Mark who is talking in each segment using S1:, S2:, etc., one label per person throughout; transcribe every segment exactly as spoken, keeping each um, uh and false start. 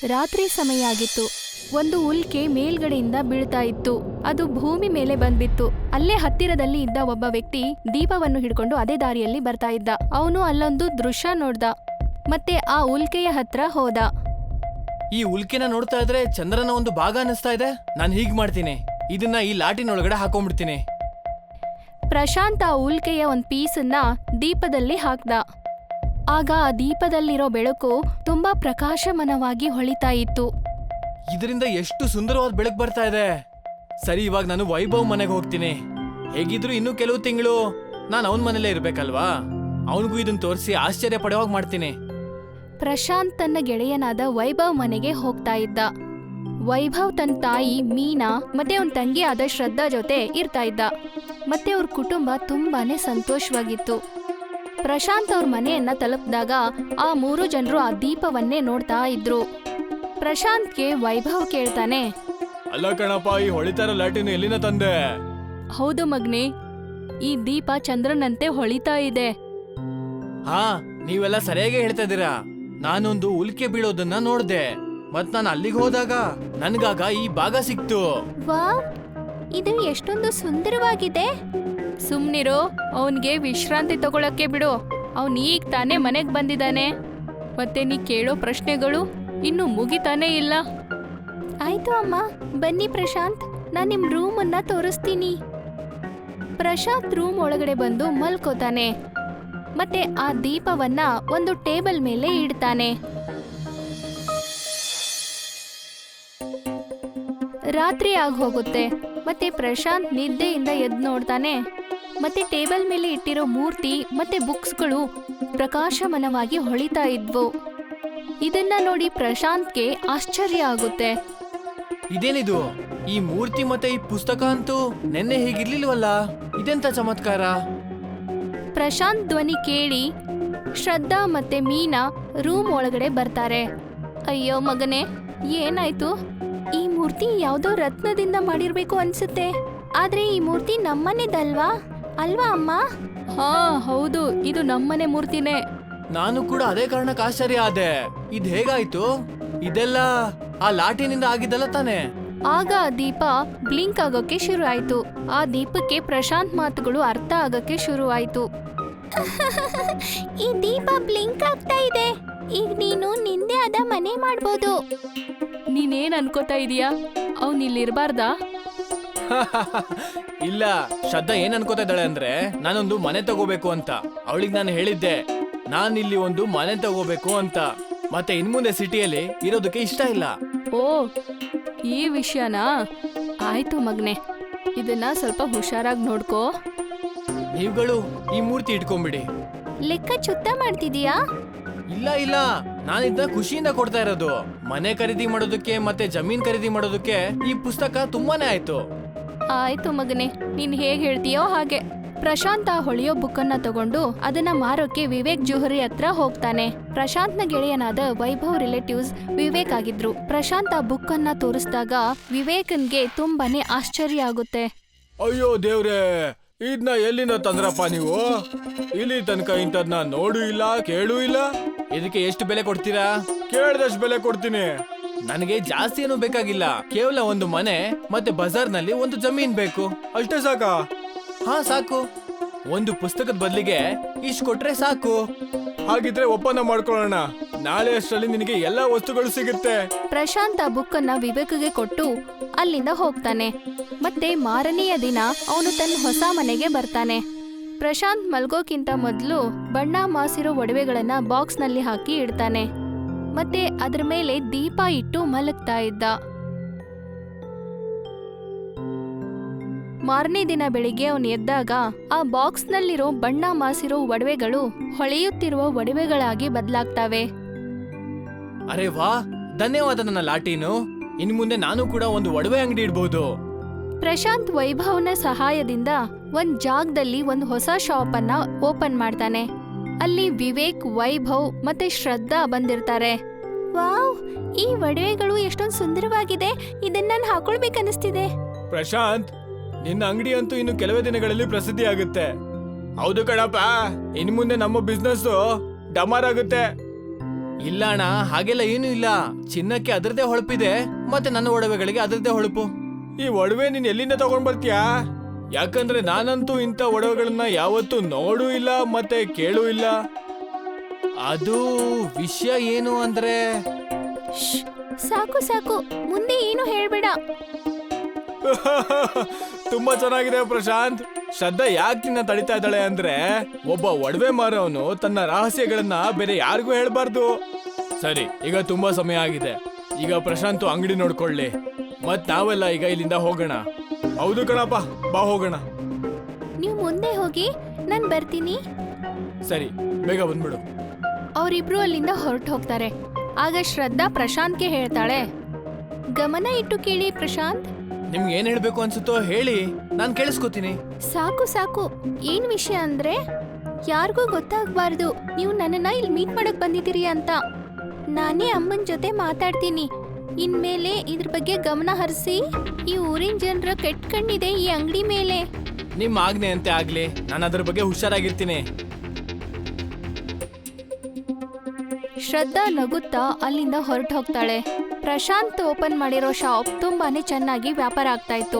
S1: ರಾತ್ರಿ ಸಮಯ ಆಗಿತ್ತು. ಒಂದು ಉಲ್ಕೆ ಮೇಲ್ಗಡೆಯಿಂದ ಬೀಳ್ತಾ ಇತ್ತು. ಅದು ಭೂಮಿ ಮೇಲೆ ಬಂದ್ಬಿತ್ತು. ಅಲ್ಲೇ ಹತ್ತಿರದಲ್ಲಿ ಇದ್ದ ಒಬ್ಬ ವ್ಯಕ್ತಿ ದೀಪವನ್ನು ಹಿಡ್ಕೊಂಡು ಅದೇ ದಾರಿಯಲ್ಲಿ ಬರ್ತಾ ಇದ್ದ. ಅವನು ಅಲ್ಲೊಂದು ದೃಶ್ಯ ನೋಡ್ದ ಮತ್ತೆ ಆ ಉಲ್ಕೆಯ ಹತ್ರ ಹೋದ.
S2: ಈ ಉಲ್ಕೆನ ನೋಡ್ತಾ ಇದ್ರೆ ಚಂದ್ರನ ಒಂದು ಭಾಗ ಅನಿಸ್ತಾ ಇದೆ. ನಾನು ಹೀಗ್ ಮಾಡ್ತೀನಿ, ಇದನ್ನ ಈ ಲಾಟಿನೊಳಗಡೆ ಹಾಕೊಂಡ್ಬಿಡ್ತೀನಿ.
S1: ಪ್ರಶಾಂತ್ ಆ ಉಲ್ಕೆಯ ಒಂದ್ ಪೀಸನ್ನ ದೀಪದಲ್ಲಿ ಹಾಕ್ದ. ಆಗ ಆ ದೀಪದಲ್ಲಿರೋ ಬೆಳಕು ತುಂಬಾ ಪ್ರಕಾಶಮಾನವಾಗಿ ಹೊಳಿತಾ ಇತ್ತು.
S2: ಇದರಿಂದ ಎಷ್ಟು ಸುಂದರವಾದ ಬೆಳಕು ಬರ್ತಾ ಇದೆ. ಸರಿ, ಇವಾಗ ನಾನು ವೈಭವ್ ಮನೆಗೆ ಹೋಗ್ತೀನಿ. ಹೇಗಿದ್ರು ಇನ್ನೂ ಕೆಲವು ತಿಂಗಳು ನಾನು ಅವನ ಮನೇಲೇ ಇರ್ಬೇಕಲ್ವಾ. ಅವನಿಗೂ ಇದನ್ನ ತೋರಿಸಿ ಆಶ್ಚರ್ಯ ಪಡುವಾಗ ಮಾಡ್ತೀನಿ.
S1: ಪ್ರಶಾಂತ್ ತನ್ನ ಗೆಳೆಯನಾದ ವೈಭವ್ ಮನೆಗೆ ಹೋಗ್ತಾ ಇದ್ದ. ವೈಭವ್ ತನ್ನ ತಾಯಿ ಮೀನಾ ಮತ್ತೆ ಅವನ ತಂಗಿ ಆದ ಶ್ರದ್ಧಾ ಜೊತೆ ಇರ್ತಾ ಇದ್ದ. ಮತ್ತೆ ಅವ್ರ ಕುಟುಂಬ ತುಂಬಾನೇ ಸಂತೋಷವಾಗಿತ್ತು. ಪ್ರಶಾಂತ್ ಅವ್ರ ಮನೆಯನ್ನ ತಲುಪಿದಾಗ ಆ ಮೂರು ಜನರು ಆ ದೀಪವನ್ನೇ ನೋಡ್ತಾ ಇದ್ರು. ಪ್ರಶಾಂತ್ಗೆ ವೈಭವ್ ಕೇಳ್ತಾನೆ,
S2: ಅಲ್ಲ ಕಣಪ್ಪ, ಈ ಹೊಳಿತಾರ ಲಾಟಿನ ಎಲ್ಲಿನ ತಂದೆ?
S1: ಹೌದು ಮಗ್ನೆ, ಈ ದೀಪ ಚಂದ್ರನಂತೆ ಹೊಳಿತಾ ಇದೆ.
S2: ಹಾ, ನೀವೆಲ್ಲ ಸರಿಯಾಗಿ ಹೇಳ್ತಾ ಇದ್ದೀರಾ. ನಾನೊಂದು ಉಲ್ಕೆ ಬೀಳೋದನ್ನ ನೋಡ್ದೆ, ಮತ್ ನಾನು ಅಲ್ಲಿಗೆ ಹೋದಾಗ ನನ್ಗಾಗ ಈ ಭಾಗ ಸಿಕ್ತು.
S1: ವಾವ್, ಇದು ಎಷ್ಟೊಂದು ಸುಂದರವಾಗಿದೆ. ಸುಮ್ನಿರೋ, ಅವನ್ಗೆ ವಿಶ್ರಾಂತಿ ತಗೊಳಕ್ಕೆ ಬಿಡು. ಅವನ್ ಈಗ ತಾನೇ ಮನೆಗ್ ಬಂದಿದ್ದಾನೆ. ಮತ್ತೆ ನೀ ಕೇಳೋ ಪ್ರಶ್ನೆಗಳು ಇನ್ನು ಮುಗಿತಾನೇ ಇಲ್ಲ. ಆಯ್ತು ಅಮ್ಮ, ಬನ್ನಿ ಪ್ರಶಾಂತ್, ನಾನ್ ನಿಮ್ ರೂಮ್ ಅನ್ನ ತೋರಿಸ್ತೀನಿ. ಪ್ರಶಾಂತ್ ರೂಮ್ ಒಳಗಡೆ ಬಂದು ಮಲ್ಕೋತಾನೆ. ಮತ್ತೆ ಆ ದೀಪವನ್ನ ಒಂದು ಟೇಬಲ್ ಮೇಲೆ ಇಡ್ತಾನೆ. ರಾತ್ರಿ ಆಗ ಹೋಗುತ್ತೆ. ಮತ್ತೆ ಪ್ರಶಾಂತ್ ನಿದ್ದೆಯಿಂದ ಎದ್ದು ನೋಡ್ತಾನೆ. ಮತ್ತೆ ಟೇಬಲ್ ಮೇಲೆ ಇಟ್ಟಿರೋ ಮೂರ್ತಿ ಮತ್ತೆ ಬುಕ್ಸ್ಗಳು ಪ್ರಕಾಶಮಾನವಾಗಿ ಹೊಳಿತಾ ಇದ್ವು. ಇದನ್ನ ನೋಡಿ ಪ್ರಶಾಂತ್ಗೆ ಆಶ್ಚರ್ಯ ಆಗುತ್ತೆ.
S2: ಇದೇನಿದು? ಈ ಮೂರ್ತಿ ಮತ್ತೆ ಈ ಪುಸ್ತಕ ಅಂತೂ ನೆನ್ನೆ ಹೀಗಿರ್ಲಿಲ್ವಲ್ಲ, ಇದೆಂತ ಚಮತ್ಕಾರ?
S1: ಪ್ರಶಾಂತ್ ಧ್ವನಿ ಕೇಳಿ ಶ್ರದ್ಧಾ ಮತ್ತೆ ಮೀನಾ ರೂಮ್ ಒಳಗಡೆ ಬರ್ತಾರೆ. ಅಯ್ಯೋ ಮಗನೇ, ಏನಾಯ್ತು? ಈ ಮೂರ್ತಿ ಯಾವ್ದೋ ರತ್ನದಿಂದ ಮಾಡಿರ್ಬೇಕು ಅನ್ಸುತ್ತೆ. ಆದ್ರೆ ಈ ಮೂರ್ತಿ ನಮ್ಮನೆದಲ್ವಾ ಅಲ್ವಾ ಅಮ್ಮ? ಹಾ ಹೌದು, ಇದು ನಮ್ಮನೆ ಮೂರ್ತಿನೇ.
S2: ನಾನು ಕೂಡ ಅದೇ ಕಾರಣಕ್ಕೆ ಆಶ್ಚರ್ಯ ಆದೆ. ಇದ್ ಹೇಗಾಯ್ತು? ಇದೆಲ್ಲ ಆ ಲಾಟಿನಿಂದ ಆಗಿದ್ದಲ್ಲ ತಾನೆ?
S1: ಆಗ ಆ ದೀಪ ಬ್ಲಿಂಕ್ ಆಗೋಕೆ ಶುರು ಆಯ್ತು. ಆ ದೀಪಕ್ಕೆ ಪ್ರಶಾಂತ್ ಮಾತುಗಳು ಅರ್ಥ ಆಗಕ್ಕೆ ಶುರು ಆಯ್ತು. ಈ ದೀಪ ಬ್ಲಿಂಕ್ ಆಗ್ತಾ ಇದೆ. ಈಗ ನೀನು ನಿಂದೆ ಆದ ಮನೆ ಮಾಡ್ಬೋದು. ನೀನೇನ್ ಅನ್ಕೋತಾ ಇದೀಯಾ? ಅವ್ನ್ ಇಲ್ಲಿರ್ಬಾರ್ದಾ?
S2: ಇಲ್ಲ, ಶ್ರದ್ಧಾ ಏನ್ ಅನ್ಕೋತಾ ಇದ್ದಾಳೆ ಅಂದ್ರೆ ನಾನೊಂದು ಮನೆ ತಗೋಬೇಕು ಅಂತ. ಅವಳಿಗೆ ನಾನು ಹೇಳಿದ್ದೆ, ನಾನ್ ಇಲ್ಲಿ ಒಂದು ಮನೆ ತಗೋಬೇಕು ಅಂತ. ಮತ್ತೆ ಇನ್ಮುಂದೆ ಸಿಟಿಯಲ್ಲಿ ಇರೋದಕ್ಕೆ ಇಷ್ಟ ಇಲ್ಲ.
S1: ಓ, ಈ ವಿಷಯನಾ? ಆಯ್ತು ಮಗ್ನೆ, ಇದನ್ನ ಸ್ವಲ್ಪ ಹುಷಾರಾಗಿ ನೋಡ್ಕೋ.
S2: ನೀವುಗಳು ಈ ಮೂರ್ತಿ ಇಟ್ಕೊಂಡ್ಬಿಡಿ.
S1: ಲೆಕ್ಕ ಚುತ್ತ ಮಾಡ್ತಿದೀಯಾ?
S2: ಇಲ್ಲ ಇಲ್ಲ, ನಾನು ಇದನ್ನ ಖುಷಿಯಿಂದ ಕೊಡ್ತಾ ಇರೋದು. ಮನೆ ಖರೀದಿ ಮಾಡೋದಕ್ಕೆ ಮತ್ತೆ ಜಮೀನ್ ಖರೀದಿ ಮಾಡೋದಕ್ಕೆ ಈ ಪುಸ್ತಕ ತುಂಬಾನೇ ಆಯ್ತು.
S1: ಆಯ್ತು ಮಗನೆ, ನೀನ್ ಹೇಗ್ ಹೇಳ್ತೀಯೋ ಹಾಗೆ. ಪ್ರಶಾಂತ್ ಆ ಹೊಳೆಯೋ ಬುಕ್ ಅನ್ನ ತಗೊಂಡು ಅದನ್ನ ಮಾರೋಕೆ ವಿವೇಕ್ ಜೋಹರಿ ಹತ್ರ ಹೋಗ್ತಾನೆ. ಪ್ರಶಾಂತ್ನ ಗೆಳೆಯನಾದ ವೈಭವ್ ರಿಲೇಟಿವ್ಸ್ ವಿವೇಕ್ ಆಗಿದ್ರು. ಪ್ರಶಾಂತ್ ಆ ಬುಕ್ ಅನ್ನ ತೋರಿಸಿದಾಗ ವಿವೇಕನ್ಗೆ ತುಂಬಾನೇ ಆಶ್ಚರ್ಯ ಆಗುತ್ತೆ.
S2: ಅಯ್ಯೋ ದೇವ್ರೆ, ಇದನ್ನ ಎಲ್ಲಿಂದ ತಂದ್ರಪ್ಪ ನೀವು? ಇಲ್ಲಿ ತನಕ ಇಂಥದ್ನ ನೋಡು ಇಲ್ಲ, ಕೇಳು ಇಲ್ಲ. ಇದಕ್ಕೆ ಎಷ್ಟು ಬೆಲೆ ಕೊಡ್ತೀರಾ? ಕೇಳ್ದಷ್ಟು ಬೆಲೆ ಕೊಡ್ತೀನಿ. ನನಗೆ ಜಾಸ್ತಿ ಏನು ಬೇಕಾಗಿಲ್ಲ, ಕೇವಲ ಒಂದು ಮನೆ ಮತ್ತೆ ಬಜಾರ್ನಲ್ಲಿ ಒಂದು ಜಮೀನ್ ಬೇಕು, ಅಷ್ಟೇ ಸಾಕಾ? ಹಾ ಸಾಕು. ಒಂದು ಪುಸ್ತಕದ ಬದಲಿಗೆ ಇಷ್ಟು ಕೊಟ್ರೆ ಸಾಕು. ಹಾಗಿದ್ರೆ ಒಪ್ಪಂದ ಮಾಡ್ಕೊಳ್ಳೋಣ. ನಾಳೆ ಅಷ್ಟರಲ್ಲಿ ನಿನಗೆ ಎಲ್ಲಾ ವಸ್ತುಗಳು ಸಿಗುತ್ತೆ.
S1: ಪ್ರಶಾಂತ್ ಆ ಬುಕ್ ಅನ್ನ ವಿವೇಕ್ಗೆ ಕೊಟ್ಟು ಅಲ್ಲಿಂದ ಹೋಗ್ತಾನೆ. ಮತ್ತೆ ಮಾರನೆಯ ದಿನ ಅವನು ತನ್ನ ಹೊಸ ಮನೆಗೆ ಬರ್ತಾನೆ. ಪ್ರಶಾಂತ್ ಮಲ್ಗೋಕ್ಕಿಂತ ಮೊದಲು ಬಣ್ಣ ಮಾಸಿರೋ ಒಡವೆಗಳನ್ನ ಬಾಕ್ಸ್ ನಲ್ಲಿ ಹಾಕಿ ಇಡ್ತಾನೆ. ಮತ್ತೆ ಅದ್ರ ಮೇಲೆ ದೀಪ ಇಟ್ಟು ಮಲಗ್ತಾ ಇದ್ದ. ಮಾರನೇ ದಿನ ಬೆಳಿಗ್ಗೆ ಅವನು ಎದ್ದಾಗ ಆ ಬಾಕ್ಸ್ ನಲ್ಲಿರೋ ಬಣ್ಣ ಮಾಸಿರೋ ಒಡವೆಗಳು ಹೊಳೆಯುತ್ತಿರುವ ಒಡವೆಗಳಾಗಿ ಬದಲಾಗ್ತವೆ.
S2: ಅರೆ ವಾ, ಧನ್ಯವಾದ ನನ್ನ ಲಾಟೀನು. ಇನ್ ಮುಂದೆ ನಾನು ಕೂಡ ಒಂದು ಒಡವೆ ಅಂಗಡಿ ಇಡಬಹುದು.
S1: ಪ್ರಶಾಂತ್ ವೈಭವ್ನ ಸಹಾಯದಿಂದ ಒಂದ್ ಜಾಗದಲ್ಲಿ ಒಂದು ಹೊಸ ಶಾಪ್ ಅನ್ನ ಓಪನ್ ಮಾಡ್ತಾನೆ. ಅಲ್ಲಿ ವಿವೇಕ್, ವೈಭವ್ ಮತ್ತೆ ಶ್ರದ್ಧಾ ಬಂದಿರ್ತಾರೆ. ವಾವ್, ಈ ಒಡವೆಗಳು ಎಷ್ಟೊಂದು ಸುಂದರವಾಗಿದೆ. ಇದನ್ನ ನಾನು ಹಾಕೊಳ್ಬೇಕನ್ನಿಸ್ತಿದೆ.
S2: ಪ್ರಶಾಂತ್, ನಿನ್ನ ಅಂಗಡಿ ಅಂತೂ ಇನ್ನು ಕೆಲವೇ ದಿನಗಳಲ್ಲಿ ಪ್ರಸಿದ್ಧಿ ಆಗುತ್ತೆ. ಹೌದು ಕಣಪ್ಪ, ಇನ್ ಮುಂದೆ ನಮ್ಮ ಬಿಸ್ನೆಸ್ ಡಮಾರ್ ಆಗುತ್ತೆ. ಇಲ್ಲ ಅಣ್ಣ, ಹಾಗೆಲ್ಲ ಏನು ಇಲ್ಲ. ಚಿನ್ನಕ್ಕೆ ಅದರದೇ ಹೊಳಪಿದೆ, ಮತ್ತೆ ನನ್ನ ಒಡವೆಗಳಿಗೆ ಅದರದೇ ಹೊಳಪು. ಈ ಒಡವೆ ನೀನ್ ಎಲ್ಲಿಂದ ತಗೊಂಡ್ ಬರ್ತೀಯಾ? ಯಾಕಂದ್ರೆ ನಾನಂತೂ ಇಂಥ ಒಡವೆಗಳನ್ನ ಯಾವತ್ತೂ ನೋಡೂ ಇಲ್ಲ ಮತ್ತೆ ಕೇಳೂ ಇಲ್ಲ. ಅದು ವಿಷಯ ಏನು ಅಂದ್ರೆ
S1: ಶ್ಶ್, ಸಾಕು ಸಾಕು, ಮುಂದೆ ಏನು ಹೇಳ್ಬೇಡ.
S2: ತುಂಬಾ ಚೆನ್ನಾಗಿದೆ ಪ್ರಶಾಂತ್. ಶ್ರದ್ಧಾ ಯಾಕೆ ನಿನ್ನ ತಡಿತಾ ಇದ್ದಾಳೆ ಅಂದ್ರೆ, ಒಬ್ಬ ಒಡವೆ ಮಾರವನು ತನ್ನ ರಹಸ್ಯಗಳನ್ನ ಬೇರೆ ಯಾರಿಗೂ ಹೇಳ್ಬಾರ್ದು. ಸರಿ, ಈಗ ತುಂಬಾ ಸಮಯ ಆಗಿದೆ. ಈಗ ಪ್ರಶಾಂತ್ ಅಂಗಡಿ ನೋಡ್ಕೊಳ್ಳಿ, ಮತ್ ನಾವೆಲ್ಲ ಈಗ ಇಲ್ಲಿಂದ ಹೋಗೋಣ. ಹೌದು ಕಣಪ್ಪ, ಬಾ ಹೋಗೋಣ.
S1: ನೀವು ಮುಂದೆ ಹೋಗಿ, ನಾನ್ ಬರ್ತೀನಿ.
S2: ಸರಿ, ಬೇಗ ಬಂದ್ಬಿಡು.
S1: ಅವರಿಬ್ರು ಅಲ್ಲಿಂದ ಹೊರಟು ಹೋಗ್ತಾರೆ. ಆಗ ಶ್ರದ್ಧಾ ಪ್ರಶಾಂತ್ಗೆ ಹೇಳ್ತಾಳೆ, ಗಮನ ಇಟ್ಟು ಕೇಳಿ ಪ್ರಶಾಂತ್.
S2: ನಿಮ್ಗೆ ಏನ್ ಹೇಳ್ಬೇಕು ಅನ್ಸುತ್ತೋ ಹೇಳಿ, ನಾನ್ ಕೇಳಿಸ್ಕೊತೀನಿ.
S1: ಸಾಕು ಸಾಕು, ಏನ್ ವಿಷಯ ಅಂದ್ರೆ ಯಾರಿಗೂ ಗೊತ್ತಾಗ್ಬಾರ್ದು ನೀವು ನನ್ನನ್ನ ಇಲ್ಲಿ ಮೀಟ್ ಮಾಡಕ್ ಬಂದಿದ್ದೀರಿ ಅಂತ. ನಾನೇ ಅಮ್ಮನ ಜೊತೆ ಮಾತಾಡ್ತೀನಿ. ಇನ್ಮೇಲೆ ಇದ್ರ ಬಗ್ಗೆ ಗಮನ ಹರಿಸಿ. ಈ ಊರಿನ ಜನರ ಕೆಟ್ಟ ಕಣ್ಣಿದೆ ಈ ಅಂಗಡಿ ಮೇಲೆ.
S2: ನಿಮ್ ಆಜ್ಞೆ ಅಂತೆ ಆಗ್ಲಿ, ನಾನು ಅದ್ರ ಬಗ್ಗೆ ಹುಷಾರಾಗಿರ್ತೀನಿ.
S1: ಶ್ರದ್ಧಾ ನಗುತ್ತಾ ಅಲ್ಲಿಂದ ಹೊರಟು ಹೋಗ್ತಾಳೆ. ಪ್ರಶಾಂತ್ ಓಪನ್ ಮಾಡಿರೋ ಶಾಪ್ ತುಂಬಾನೇ ಚೆನ್ನಾಗಿ ವ್ಯಾಪಾರ ಆಗ್ತಾ ಇತ್ತು.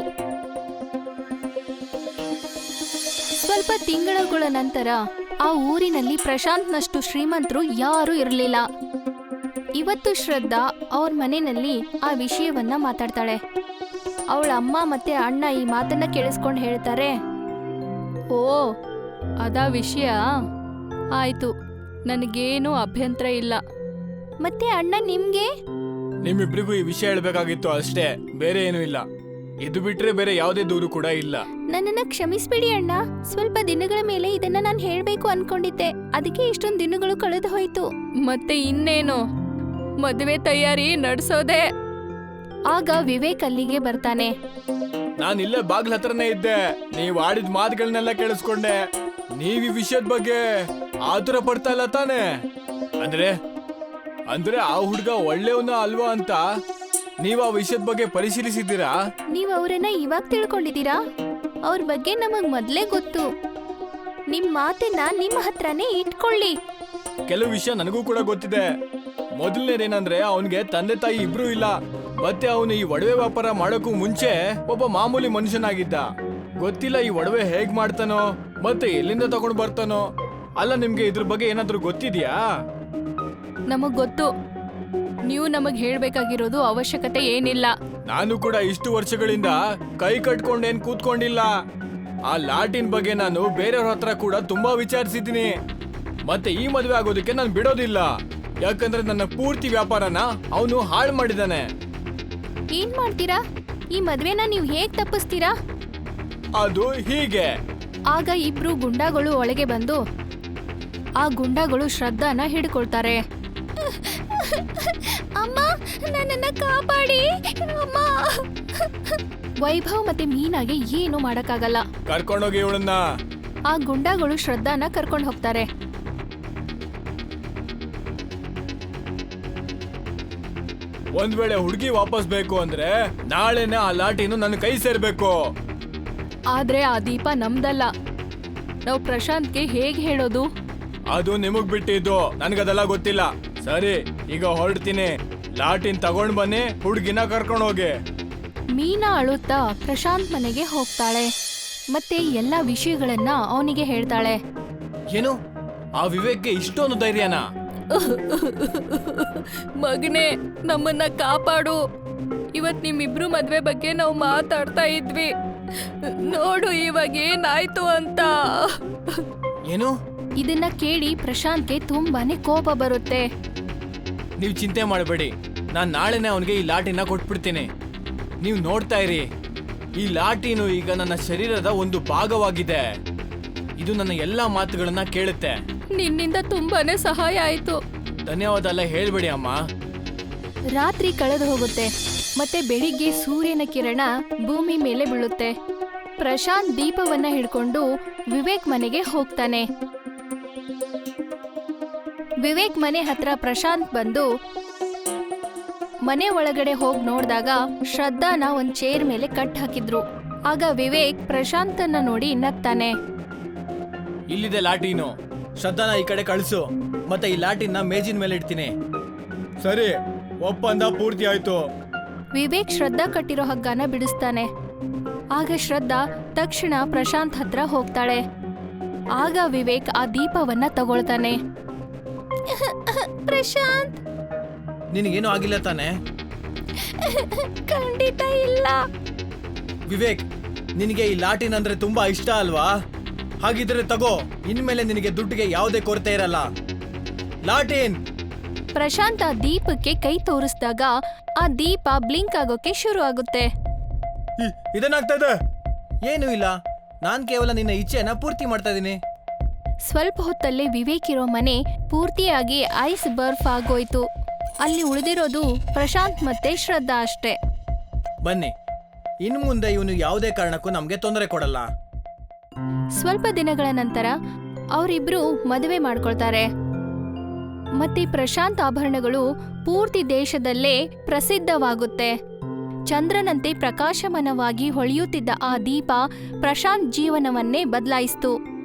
S1: ಸ್ವಲ್ಪ ತಿಂಗಳುಗಳ ನಂತರ ಆ ಊರಿನಲ್ಲಿ ಪ್ರಶಾಂತ್ನಷ್ಟು ಶ್ರೀಮಂತರು ಯಾರೂ ಇರಲಿಲ್ಲ. ಇವತ್ತು ಶ್ರದ್ಧಾ ಅವ್ರ ಮನೆಯಲ್ಲಿ ಆ ವಿಷಯವನ್ನ ಮಾತಾಡ್ತಾಳೆ. ಅವಳ ಅಮ್ಮ ಮತ್ತೆ ಅಣ್ಣ ಈ ಮಾತನ್ನ ಕೇಳಿಸ್ಕೊಂಡು ಹೇಳ್ತಾರೆ, ಓ ಅದಾ ವಿಷಯ, ಆಯ್ತು, ನನಗೇನು ಅಭ್ಯಂತರ ಇಲ್ಲ. ಮತ್ತೆ ಅಣ್ಣ ನಿಮ್ಗೆ?
S2: ನಿಮ್ಮಿಬ್ರಿಗೂ ಈ ವಿಷಯ ಹೇಳ್ಬೇಕಾಗಿತ್ತು ಅಷ್ಟೇ, ಬೇರೆ ಏನೂ ಇಲ್ಲ. ಇದು ಬಿಟ್ರೆ ಬೇರೆ ಯಾವುದೇ ದೂರು ಕೂಡ ಇಲ್ಲ.
S1: ನನ್ನನ್ನ ಕ್ಷಮಿಸ್ಬಿಡಿ ಅಣ್ಣ. ಸ್ವಲ್ಪ ದಿನಗಳ ಮೇಲೆ ಇದನ್ನ ನಾನು ಹೇಳ್ಬೇಕು ಅನ್ಕೊಂಡಿದ್ದೆ, ಅದಕ್ಕೆ ಇಷ್ಟೊಂದು ದಿನಗಳು ಕಳೆದು ಹೋಯ್ತು. ಮತ್ತೆ ಇನ್ನೇನು, ಮದುವೆ ತಯಾರಿ ನಡ್ಸೋದೆ. ಆಗ ವಿವೇಕ್ ಅಲ್ಲಿಗೆ ಬರ್ತಾನೆ.
S2: ನಾನು ಇಲ್ಲೇ ಬಾಗ್ಲ ಹತ್ರನೇ ಇದ್ದೆ, ನೀವ್ ಆಡಿದ ಮಾತುಗಳನ್ನೆಲ್ಲ ಕೇಳಿಸ್ಕೊಂಡೆ. ನೀವ್ ಈ ವಿಷಯದ ಬಗ್ಗೆ ಆತುರ ಪಡ್ತಾ ಇಲ್ಲ ತಾನೆ? ಅಂದ್ರೆ ಅಂದ್ರೆ ಆ ಹುಡ್ಗ ಒಳ್ಳೆಯವನ ಅಲ್ವಾ ಅಂತ ನೀವ್ ಆ ವಿಷಯದ ಬಗ್ಗೆ ಪರಿಶೀಲಿಸಿದ್ದೀರಾ?
S1: ನೀವ್ ಅವರನ್ನ ಇವಾಗ ತಿಳ್ಕೊಂಡಿದ್ದೀರಾ? ಅವ್ರ ಬಗ್ಗೆ ನಮಗ್ ಮೊದ್ಲೇ ಗೊತ್ತು. ನಿಮ್ ಮಾತನ್ನ ನಿಮ್ಮ ಹತ್ರನೇ ಇಟ್ಕೊಳ್ಳಿ.
S2: ಕೆಲವು ವಿಷಯ ನನಗೂ ಕೂಡ ಗೊತ್ತಿದೆ. ಮೊದಲನೇದೇನಂದ್ರೆ ಅವನ್ಗೆ ತಂದೆ ತಾಯಿ ಇಬ್ರು ಇಲ್ಲ, ಮತ್ತೆ ಅವನು ಈ ಒಡವೆ ವ್ಯಾಪಾರ ಮಾಡೋಕ್ಕೂ ಮುಂಚೆ ಒಬ್ಬ ಮಾಮೂಲಿ ಮನುಷ್ಯನಾಗಿದ್ದ. ಗೊತ್ತಿಲ್ಲ ಈ ಒಡವೆ ಹೇಗ್ ಮಾಡ್ತಾನೋ ಮತ್ತೆ ಎಲ್ಲಿಂದ ತಗೊಂಡ್ ಬರ್ತಾನೋ. ಅಲ್ಲ, ನಿಮ್ಗೆ ಇದ್ರ ಬಗ್ಗೆ ಏನಾದ್ರೂ ಗೊತ್ತಿದ್ಯಾ?
S1: ನಮಗ್ ಗೊತ್ತು, ನೀವು ನಮಗ್ ಹೇಳ್ಬೇಕಾಗಿರೋದು ಅವಶ್ಯಕತೆ ಏನಿಲ್ಲ.
S2: ನಾನು ಕೂಡ ಇಷ್ಟು ವರ್ಷಗಳಿಂದ ಕೈ ಕಟ್ಕೊಂಡೇನ್ ಕೂತ್ಕೊಂಡಿಲ್ಲ. ಆ ಲಾಟಿನ್ ಬಗ್ಗೆ ನಾನು ಬೇರೆಯವ್ರ ಹತ್ರ ಕೂಡ ತುಂಬಾ ವಿಚಾರಿಸಿದ್ದೀನಿ. ಮತ್ತೆ ಈ ಮದುವೆ ಆಗೋದಕ್ಕೆ ನಾನು ಬಿಡೋದಿಲ್ಲ, ಯಾಕಂದ್ರೆ ನನ್ನ ಪೂರ್ತಿ ವ್ಯಾಪಾರನ ಅವನು ಹಾಳು ಮಾಡಿದಾನೆ.
S1: ಏನ್ ಮಾಡ್ತೀರಾ? ಈ ಮದ್ವೆನ ನೀವು ಹೇಗ್ ತಪ್ಪಿಸ್ತೀರಾ?
S2: ಅದು ಹೀಗೆ.
S1: ಆಗ ಇಬ್ರು ಗುಂಡಾಗಳು ಒಳಗೆ ಬಂದು ಆ ಗುಂಡಾಗಳು ಶ್ರದ್ಧಾನ ಹಿಡ್ಕೊಳ್ತಾರೆ. ಅಮ್ಮ, ನನ್ನನ್ನ ಕಾಪಾಡಿ ಅಮ್ಮ. ವೈಭವ್ ಮತ್ತೆ ಮೀನಾಗೆ ಏನು ಮಾಡಕ್ಕಾಗಲ್ಲ.
S2: ಕರ್ಕೊಂಡೋಗಿ ಇವಳನ್ನ.
S1: ಆ ಗುಂಡಾಗಳು ಶ್ರದ್ಧಾನ ಕರ್ಕೊಂಡು ಹೋಗ್ತಾರೆ.
S2: ಒಂದ್ ವೇಳೆ ಹುಡುಗಿ ವಾಪಸ್ ಬೇಕು ಅಂದ್ರೆ ನಾಳೆನೆ ಆ ಲಾಟಿನು ನನ್ನ ಕೈ ಸೇರ್ಬೇಕು.
S1: ಆದ್ರೆ ಆ ದೀಪ ನಮ್ದಲ್ಲ. ನಾವು ಪ್ರಶಾಂತ್ಗೆ ಹೇಗ್ ಹೇಳೋದು?
S2: ಅದು ನಿಮಗ್ ಬಿಟ್ಟಿದ್ದು, ನನ್ಗದೆಲ್ಲ ಗೊತ್ತಿಲ್ಲ. ಸರಿ, ಈಗ ಹೊರಡ್ತೀನಿ. ಲಾಟಿನ್ ತಗೊಂಡ್ ಬನ್ನಿ, ಹುಡುಗಿನ ಕರ್ಕೊಂಡು ಹೋಗಿ.
S1: ಮೀನಾ ಅಳುತ್ತಾ ಪ್ರಶಾಂತ್ ಮನೆಗೆ ಹೋಗ್ತಾಳೆ. ಮತ್ತೆ ಎಲ್ಲಾ ವಿಷಯಗಳನ್ನ ಅವನಿಗೆ ಹೇಳ್ತಾಳೆ.
S2: ಏನು, ಆ ವಿವೇಕ್ಗೆ ಇಷ್ಟೊಂದು ಧೈರ್ಯನಾ?
S1: ಮಗನೇ, ನಮ್ಮನ್ನ ಕಾಪಾಡು. ಇವತ್ ನಿಮ್ಮಿಬ್ರು ಮದ್ವೆ ಬಗ್ಗೆ ನಾವು ಮಾತಾಡ್ತಾ ಇದ್ವಿ. ನೋಡು ಇವಾಗ ಏನಾಯ್ತು ಅಂತ.
S2: ಏನು?
S1: ಇದನ್ನ ಕೇಳಿ ಪ್ರಶಾಂತ್ಗೆ ತುಂಬಾನೇ ಕೋಪ ಬರುತ್ತೆ.
S2: ನೀವು ಚಿಂತೆ ಮಾಡಬೇಡಿ, ನಾನ್ ನಾಳೆನೆ ಅವನಿಗೆ ಈ ಲಾಟಿನ ಕೊಟ್ಬಿಡ್ತೀನಿ. ನೀವು ನೋಡ್ತಾ ಇರಿ, ಈ ಲಾಟಿನು ಈಗ ನನ್ನ ಶರೀರದ ಒಂದು ಭಾಗವಾಗಿದೆ. ಇದು ನನ್ನ ಎಲ್ಲಾ ಮಾತುಗಳನ್ನ ಕೇಳುತ್ತೆ.
S1: ನಿನ್ನಿಂದ ತುಂಬಾನೇ ಸಹಾಯ ಆಯ್ತು.
S2: ಧನ್ಯವಾದ ಎಲ್ಲ ಹೇಳ್ಬೇಡಿ ಅಮ್ಮ.
S1: ರಾತ್ರಿ ಕಳೆದು ಹೋಗುತ್ತೆ. ಮತ್ತೆ ಬೆಳಿಗ್ಗೆ ಸೂರ್ಯನ ಕಿರಣ ಭೂಮಿ ಮೇಲೆ ಬೀಳುತ್ತೆ. ಪ್ರಶಾಂತ್ ದೀಪವನ್ನ ಹಿಡ್ಕೊಂಡು ವಿವೇಕ್ ಮನೆಗೆ ಹೋಗ್ತಾನೆ. ವಿವೇಕ್ ಮನೆ ಹತ್ರ ಪ್ರಶಾಂತ್ ಬಂದು ಮನೆ ಒಳಗಡೆ ಹೋಗಿ ನೋಡಿದಾಗ ಶ್ರದ್ಧಾನ ಒಂದ್ ಚೇರ್ ಮೇಲೆ ಕಟ್ ಹಾಕಿದ್ರು. ಆಗ ವಿವೇಕ್ ಪ್ರಶಾಂತನ್ನ ನೋಡಿ ನಗ್ತಾನೆ.
S2: ಇಲ್ಲಿದೆ ಲಾಟಿನು, ಶ್ರದ್ಧಾನ ಈ ಕಡೆ ಕಳಿಸು, ಮತ್ತೆ ಈ ಲಾಟಿನ ಮೇಜಿನ ಮೇಲೆ ಇಡ್ತೀನಿ. ಸರಿ, ಒಪ್ಪಂದ ಪೂರ್ತಿ ಆಯ್ತು.
S1: ವಿವೇಕ್ ಶ್ರದ್ಧಾ ಕಟ್ಟಿರೋ ಹಗ್ಗನ ಬಿಡಿಸ್ತಾನೆ. ಆಗ ಶ್ರದ್ಧಾ ತಕ್ಷಣ ಪ್ರಶಾಂತ್ ಹತ್ರ ಹೋಗ್ತಾಳೆ. ಆಗ ವಿವೇಕ್ ಆ ದೀಪವನ್ನ ತಗೊಳ್ತಾನೆ. ಪ್ರಶಾಂತ್,
S2: ನಿನಗೇನು ಆಗಿಲ್ಲ ತಾನೆ?
S1: ಖಂಡಿತ ಇಲ್ಲ.
S2: ವಿವೇಕ್, ನಿನಗೆ ಈ ಲಾಟಿನ್ ಅಂದ್ರೆ ತುಂಬಾ ಇಷ್ಟ ಅಲ್ವಾ? ಹಾಗಿದ್ರೆ ತಗೋ, ಇನ್ಮೇಲೆ ನಿನಗೆ ದುಡ್ಡಿಗೆ ಯಾವುದೇ ಕೊರತೆ ಇರಲ್ಲ. ಲಾಟಿನ್.
S1: ಪ್ರಶಾಂತ್ ಆ ದೀಪಕ್ಕೆ ಕೈ ತೋರಿಸಿದಾಗ ಆ ದೀಪ ಬ್ಲಿಂಕ್ ಆಗೋಕೆ ಶುರು ಆಗುತ್ತೆ.
S2: ಇದೇನಾಗ್ತಾ ಇದೆ? ಏನು ಇಲ್ಲ, ನಾನ್ ಕೇವಲ ನಿನ್ನ ಇಚ್ಛೆಯನ್ನ ಪೂರ್ತಿ ಮಾಡ್ತಾ ಇದೀನಿ.
S1: ಸ್ವಲ್ಪ ಹೊತ್ತಲ್ಲೇ ವಿವೇಕ್ ಇರೋ ಮನೆ ಪೂರ್ತಿಯಾಗಿ ಐಸ್ ಬರ್ಫ್ ಆಗೋಯ್ತು. ಅಲ್ಲಿ ಉಳಿದಿರೋದು ಪ್ರಶಾಂತ್ ಮತ್ತೆ ಶ್ರದ್ಧಾ ಅಷ್ಟೇ.
S2: ಬನ್ನಿ, ಇನ್ನು ಮುಂದೆ ಇವನು ಯಾವುದೇ ಕಾರಣಕ್ಕೂ ನಮ್ಗೆ ತೊಂದರೆ ಕೊಡಲ್ಲ.
S1: ಸ್ವಲ್ಪ ದಿನಗಳ ನಂತರ ಅವರಿಬ್ರು ಮದುವೆ ಮಾಡ್ಕೊಳ್ತಾರೆ. ಮತ್ತೆ ಪ್ರಶಾಂತ್ ಆಭರಣಗಳು ಪೂರ್ತಿ ದೇಶದಲ್ಲೇ ಪ್ರಸಿದ್ಧವಾಗುತ್ತೆ. ಚಂದ್ರನಂತೆ ಪ್ರಕಾಶಮಾನವಾಗಿ ಹೊಳೆಯುತ್ತಿದ್ದ ಆ ದೀಪ ಪ್ರಶಾಂತ್ ಜೀವನವನ್ನೇ ಬದಲಾಯಿಸಿತು.